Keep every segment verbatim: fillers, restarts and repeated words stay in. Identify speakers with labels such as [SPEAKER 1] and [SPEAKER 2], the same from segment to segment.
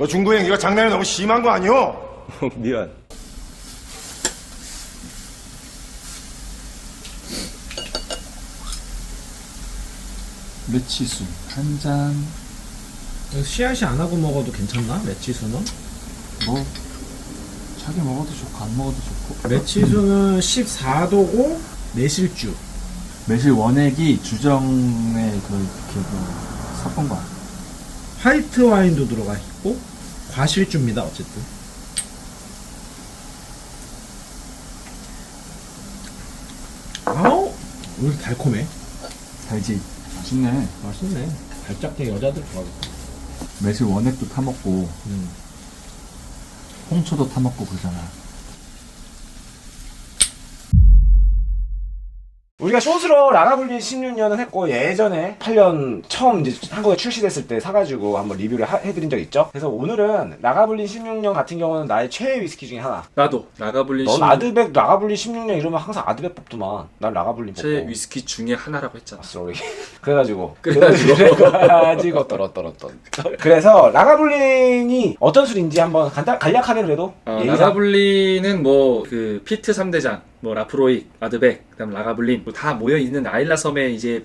[SPEAKER 1] 그 중구 행기가 장난이 너무 심한 거 아니오?
[SPEAKER 2] 미안.
[SPEAKER 3] 매치수 한 잔.
[SPEAKER 4] 씨알씨 안 하고 먹어도 괜찮나? 매치수는?
[SPEAKER 3] 뭐 자기 먹어도 좋고 안 먹어도 좋고.
[SPEAKER 4] 매치수는 십사 도고 매실주.
[SPEAKER 3] 매실 원액이 주정의 그, 그, 그 섞은 거야.
[SPEAKER 4] 화이트 와인도 들어가 있고 과실주입니다. 어쨌든 아우 왜 이렇게 달콤해?
[SPEAKER 3] 달지. 맛있네.
[SPEAKER 4] 맛있네. 달짝대 여자들 좋아하겠다.
[SPEAKER 3] 매실 원액도 타먹고
[SPEAKER 4] 음.
[SPEAKER 3] 홍초도 타먹고 그러잖아.
[SPEAKER 5] 우리가 숏으로 라가블리 십육 년은 했고 예전에 팔 년 처음 이제 한국에 출시됐을 때 사가지고 한번 리뷰를 하, 해드린 적 있죠. 그래서 오늘은 라가블리 십육 년 같은 경우는 나의 최애 위스키 중에 하나.
[SPEAKER 2] 나도 라가블린
[SPEAKER 5] 넌
[SPEAKER 2] 십
[SPEAKER 5] 아드백 라가블리 십육 년 이러면 항상 아드백 뽑더만. 난 라가블리 뽑고.
[SPEAKER 2] 제 위스키 중에 하나라고 했잖아.
[SPEAKER 5] 쏘리. 그래가지고
[SPEAKER 2] 그래가지고.
[SPEAKER 5] 그래가지고 떨어떨었던. 그래서 라가블린이 어떤 술인지 한번 간단 간략하게 그래도
[SPEAKER 2] 어,
[SPEAKER 5] 예의상.
[SPEAKER 2] 라가블린은 뭐 그 피트 삼 대장, 뭐 라프로익, 아드백, 그다음 라가블린 뭐 다 모여 있는 아일라 섬의 이제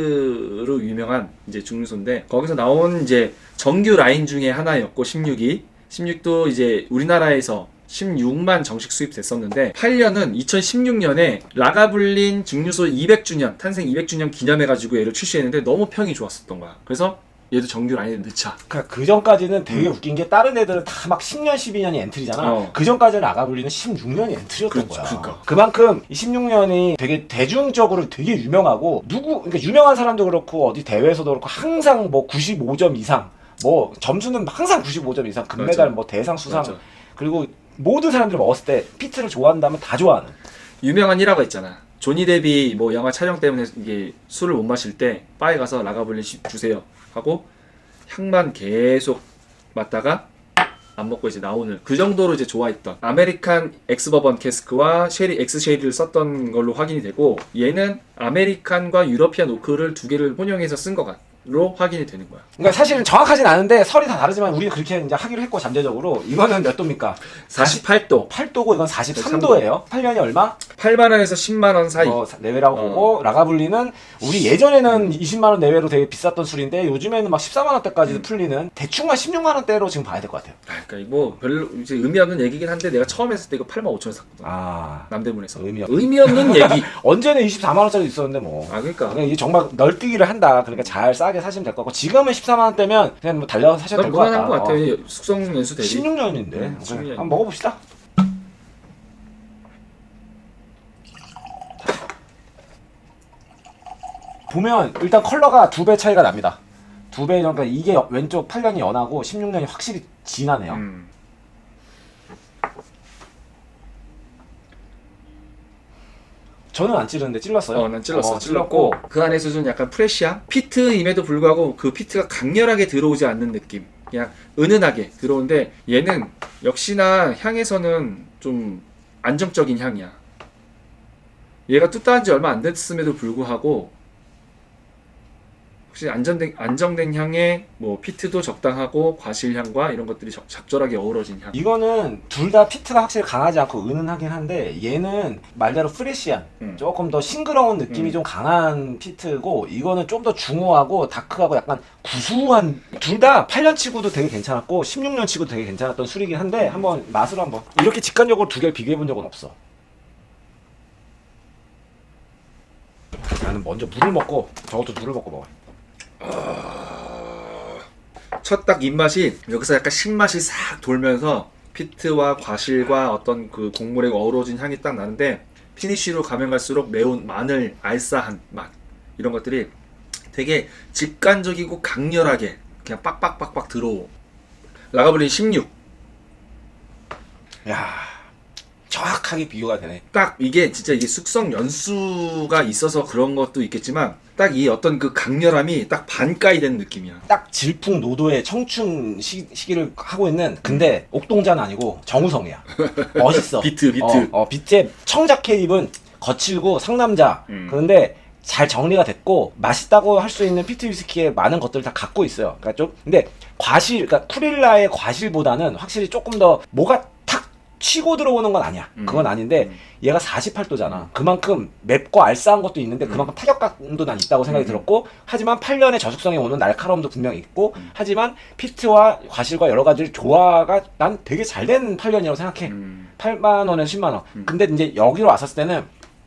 [SPEAKER 2] 피트로 유명한 이제 중류소인데 거기서 나온 이제 정규 라인 중에 하나였고 십육이 십육도 이제 우리나라에서 십육만 정식 수입됐었는데 팔 년은 이천십육 년에 라가블린 증류소 이백 주년 탄생 이백 주년 기념해가지고 얘를 출시했는데 너무 평이 좋았었던 거야. 그래서 얘도 정규 라인에 넣자.
[SPEAKER 5] 그러니까 그 전까지는 되게 웃긴 게 다른 애들은 다 막 십 년, 십이 년이 엔트리잖아.
[SPEAKER 2] 어.
[SPEAKER 5] 그 전까지는 라가블리는 십육 년이 엔트리였던
[SPEAKER 2] 그렇지,
[SPEAKER 5] 거야.
[SPEAKER 2] 그러니까.
[SPEAKER 5] 그만큼 이 십육 년이 되게 대중적으로 되게 유명하고 누구 그러니까 유명한 사람도 그렇고 어디 대회에서도 그렇고 항상 뭐 구십오 점 이상 뭐 점수는 항상 구십오 점 이상 금메달
[SPEAKER 2] 맞아.
[SPEAKER 5] 뭐 대상 수상
[SPEAKER 2] 맞아.
[SPEAKER 5] 그리고 모든 사람들이 먹었을 때 피트를 좋아한다면 다 좋아하는.
[SPEAKER 2] 유명한 일화가 있잖아. 조니 데비 뭐 영화 촬영 때문에 이게 술을 못 마실 때 바에 가서 라가블린 주세요 하고 향만 계속 맡다가 안 먹고 이제 나오는 그 정도로 이제 좋아했던 아메리칸 엑스 버번 캐스크와 쉐리 엑스 쉐리를 썼던 걸로 확인이 되고 얘는 아메리칸과 유러피안 오크를 두 개를 혼용해서 쓴 것로 확인이 되는 거야.
[SPEAKER 5] 그러니까 사실은 정확하진 않은데 설이 다 다르지만 우리는 그렇게 이제 하기로 했고 잠재적으로 이거는 몇 도입니까?
[SPEAKER 2] 사십팔 도.
[SPEAKER 5] 팔 도고 이건 사십삼 도예요. 팔 년이 얼마?
[SPEAKER 2] 팔만 원에서 십만 원 사이.
[SPEAKER 5] 어, 내외라고
[SPEAKER 2] 어.
[SPEAKER 5] 보고 라가블리는 우리 예전에는 이십만 원 내외로 되게 비쌌던 술인데 요즘에는 막 십사만 원대까지도
[SPEAKER 2] 음.
[SPEAKER 5] 풀리는 대충 한 십육만 원대로 지금 봐야 될 것 같아요.
[SPEAKER 2] 아, 그러니까 뭐 별로 이제 의미 없는 얘기긴 한데 내가 처음 했을 때 이거 팔만 오천 원 샀거든.
[SPEAKER 5] 아
[SPEAKER 2] 남대문에서.
[SPEAKER 5] 의미 없-
[SPEAKER 2] 의미 없는 얘기.
[SPEAKER 5] 언제는 이십사만 원짜리 있었는데 뭐.
[SPEAKER 2] 아 그러니까.
[SPEAKER 5] 그냥 이게 정말 널뛰기를 한다. 그러니까 잘 싸게 사시면 될 것 같고 지금은 십사만 원대면 그냥 뭐 달려서 사셔도
[SPEAKER 2] 난
[SPEAKER 5] 될 것 같다.
[SPEAKER 2] 무난한 것 같아.
[SPEAKER 5] 어.
[SPEAKER 2] 숙성 연수 대비.
[SPEAKER 5] 십육 년인데
[SPEAKER 2] 음, 십육 년.
[SPEAKER 5] 한번 먹어봅시다. 보면 일단 컬러가 두 배 차이가 납니다. 두 배, 그러니까 이게 왼쪽 팔 년이 연하고 십육 년이 확실히 진하네요.
[SPEAKER 2] 음.
[SPEAKER 5] 저는 안 찌르는데 찔렀어요.
[SPEAKER 2] 어, 난 찔렀어.
[SPEAKER 5] 어,
[SPEAKER 2] 찔렀고 그 안에서 좀 약간 프레시함? 피트임에도 불구하고 그 피트가 강렬하게 들어오지 않는 느낌. 그냥 은은하게 들어오는데 얘는 역시나 향에서는 좀 안정적인 향이야. 얘가 뚜따한 지 얼마 안 됐음에도 불구하고 혹시 안정된, 안정된 향에 뭐 피트도 적당하고 과실향과 이런 것들이 적, 적절하게 어우러진 향.
[SPEAKER 5] 이거는 둘 다 피트가 확실히 강하지 않고 은은하긴 한데 얘는 말대로 프레시한
[SPEAKER 2] 음.
[SPEAKER 5] 조금 더 싱그러운 느낌이
[SPEAKER 2] 음.
[SPEAKER 5] 좀 강한 피트고 이거는 좀 더 중후하고 다크하고 약간 구수한 둘 다 팔 년 치고도 되게 괜찮았고 십육 년 치고도 되게 괜찮았던 술이긴 한데 한번 맛을 한번 이렇게 직관적으로 두 개를 비교해 본 적은 없어. 나는 먼저 물을 먹고 저것도 물을 먹고 먹어요.
[SPEAKER 2] 첫 딱 입맛이 여기서 약간 신맛이 싹 돌면서 피트와 과실과 어떤 그 곡물의 어우러진 향이 딱 나는데 피니쉬로 가면 갈수록 매운 마늘, 알싸한 맛 이런 것들이 되게 직관적이고 강렬하게 그냥 빡빡빡빡 들어오. 라가블린 십육.
[SPEAKER 5] 야 정확하게 비교가 되네.
[SPEAKER 2] 딱 이게 진짜 이게 숙성 연수가 있어서 그런 것도 있겠지만 딱 이 어떤 그 강렬함이 딱 반가이 된 느낌이야.
[SPEAKER 5] 딱 질풍노도의 청춘 시, 시기를 하고 있는 근데 옥동자는 아니고 정우성이야. 멋있어.
[SPEAKER 2] 비트, 비트.
[SPEAKER 5] 어, 어 비트의 청자켓 입은 거칠고 상남자.
[SPEAKER 2] 음.
[SPEAKER 5] 그런데 잘 정리가 됐고 맛있다고 할 수 있는 피트 위스키의 많은 것들을 다 갖고 있어요. 그러니까 좀 근데 과실, 그러니까 쿠릴라의 과실보다는 확실히 조금 더 뭐가 탁 치고 들어오는 건 아니야. 그건 아닌데 얘가 사십팔 도잖아. 그만큼 맵고 알싸한 것도 있는데 그만큼 타격감도 난 있다고 생각이 들었고, 하지만 팔 년의 저속성에 오는 날카로움도 분명히 있고, 하지만 피트와 과실과 여러 가지 조화가 난 되게 잘 된 팔 년이라고 생각해.
[SPEAKER 2] 음.
[SPEAKER 5] 팔만 원에서 십만 원. 근데 이제 여기로 왔었을 때는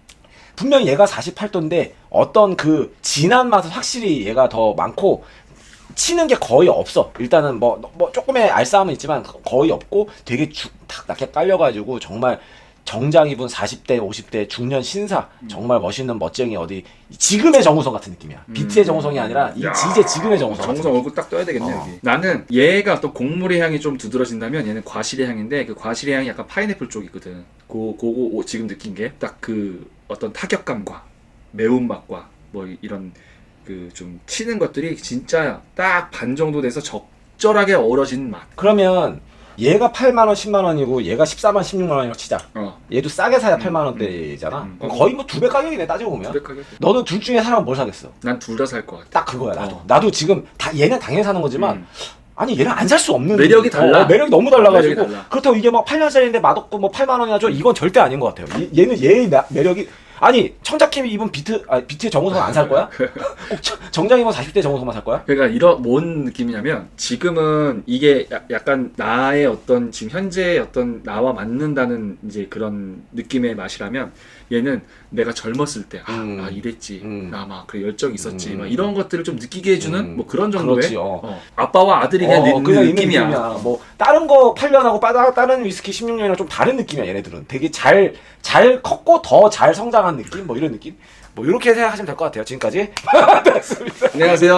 [SPEAKER 5] 분명히 얘가 사십팔 도인데 어떤 그 진한 맛은 확실히 얘가 더 많고 치는 게 거의 없어. 일단은 뭐, 뭐 조금의 알싸함은 있지만 거의 없고 되게 주, 탁 낮게 깔려가지고 정말 정장 입은 사십 대 오십 대 중년 신사, 정말 멋있는 멋쟁이, 어디 지금의 정우성 같은 느낌이야. 비트의 정우성이 아니라 이 지제 지금의 정우성.
[SPEAKER 2] 정우성 얼굴 딱 떠야 되겠네.
[SPEAKER 5] 어.
[SPEAKER 2] 여기. 나는 얘가 또 곡물의 향이 좀 두드러진다면 얘는 과실의 향인데, 그 과실의 향이 약간 파인애플 쪽이거든. 고 그거 오- 지금 느낀 게 딱 그 어떤 타격감과 매운맛과 뭐 이런 그 좀 치는 것들이 진짜 딱 반 정도 돼서 적절하게 어우러진 맛.
[SPEAKER 5] 그러면 얘가 팔만 원, 십만 원이고 얘가 십사만, 십육만 원이라고 치자.
[SPEAKER 2] 어.
[SPEAKER 5] 얘도 싸게 사야 팔만 원대잖아.
[SPEAKER 2] 음.
[SPEAKER 5] 그럼 거의 뭐 두 배 가격이네 따지고 보면.
[SPEAKER 2] 고백하게.
[SPEAKER 5] 너는 둘 중에 사면 뭘 사겠어?
[SPEAKER 2] 난 둘 다 살 것 같아.
[SPEAKER 5] 딱 그거야 나도.
[SPEAKER 2] 어.
[SPEAKER 5] 나도 지금 다 얘는 당연히 사는 거지만
[SPEAKER 2] 음.
[SPEAKER 5] 아니 얘는 안 살 수 없는
[SPEAKER 2] 매력이 달라.
[SPEAKER 5] 어, 매력이 너무 달라가지고
[SPEAKER 2] 매력이 달라.
[SPEAKER 5] 그렇다고 이게 막 팔 년짜리인데 맛없고 뭐 팔만 원이나 줘, 이건 절대 아닌 것 같아요. 얘, 얘는 얘의 나- 매력이 아니 청자킴이 입은 비트 아 비트의 정우성 안 살 거야? 꼭 정- 정장 입은 사십 대 정우성만 살 거야?
[SPEAKER 2] 그러니까 이런 뭔 느낌이냐면, 지금은 이게 야- 약간 나의 어떤 지금 현재의 어떤 나와 맞는다는 이제 그런 느낌의 맛이라면, 얘는 내가 젊었을 때 아,
[SPEAKER 5] 음.
[SPEAKER 2] 아 이랬지,
[SPEAKER 5] 음.
[SPEAKER 2] 나 막 그래 열정 있었지,
[SPEAKER 5] 음.
[SPEAKER 2] 막 이런 것들을 좀 느끼게 해주는
[SPEAKER 5] 음.
[SPEAKER 2] 뭐 그런 정도의
[SPEAKER 5] 그렇지, 어.
[SPEAKER 2] 어, 아빠와 아들이 그냥
[SPEAKER 5] 어,
[SPEAKER 2] 느,
[SPEAKER 5] 그냥 있는
[SPEAKER 2] 느낌이야.
[SPEAKER 5] 느낌이야. 뭐 다른 거 팔 년하고 빠다 다른 위스키 십육 년이랑 좀 다른 느낌이야. 얘네들은 되게 잘 잘 컸고 더 잘 성장한 느낌, 뭐 이런 느낌. 뭐 이렇게 생각하시면 될 것 같아요. 지금까지 됐습니다.
[SPEAKER 2] 안녕하세요.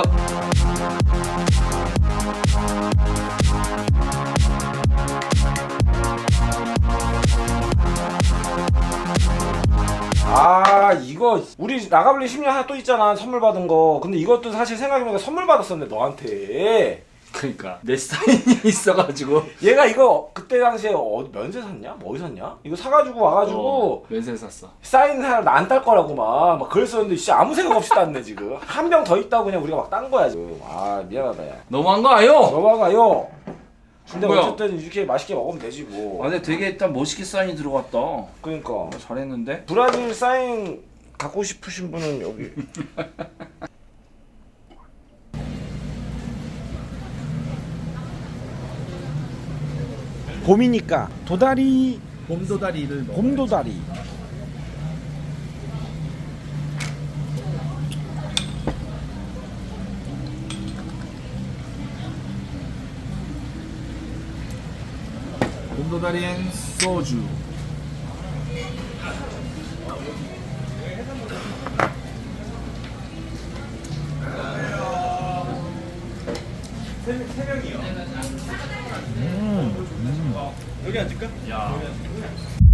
[SPEAKER 5] 아 이거 우리 나가블리 십 년 하나 또 있잖아, 선물 받은 거. 근데 이것도 사실 생각해보니까 선물 받았었는데 너한테.
[SPEAKER 2] 그러니까 내 사인이 있어가지고
[SPEAKER 5] 얘가 이거 그때 당시에 어, 면세 샀냐? 뭐 어디 샀냐? 이거 사가지고 와가지고
[SPEAKER 2] 어, 면세 샀어.
[SPEAKER 5] 사인 사람 나안 딸 거라고 막, 막 그랬었는데 진짜 아무 생각 없이 땄네 지금. 한 병 더 있다고 그냥 우리가 막 딴 거야 지금. 아 미안하다 야.
[SPEAKER 2] 너무한 거 아요?
[SPEAKER 5] 넘어가요. 근데
[SPEAKER 2] 뭐야?
[SPEAKER 5] 어쨌든 이렇게 맛있게 먹으면 되지 뭐.
[SPEAKER 2] 아, 근데 되게 일단 멋있게 사인이 들어갔다.
[SPEAKER 5] 그러니까
[SPEAKER 2] 잘했는데?
[SPEAKER 5] 브라질 사인 갖고 싶으신 분은 여기. 봄이니까 도다리,
[SPEAKER 4] 봄도다리를 먹어.
[SPEAKER 5] 봄도다리.
[SPEAKER 3] 봄도다리엔 소주.
[SPEAKER 4] 여기 앉을까?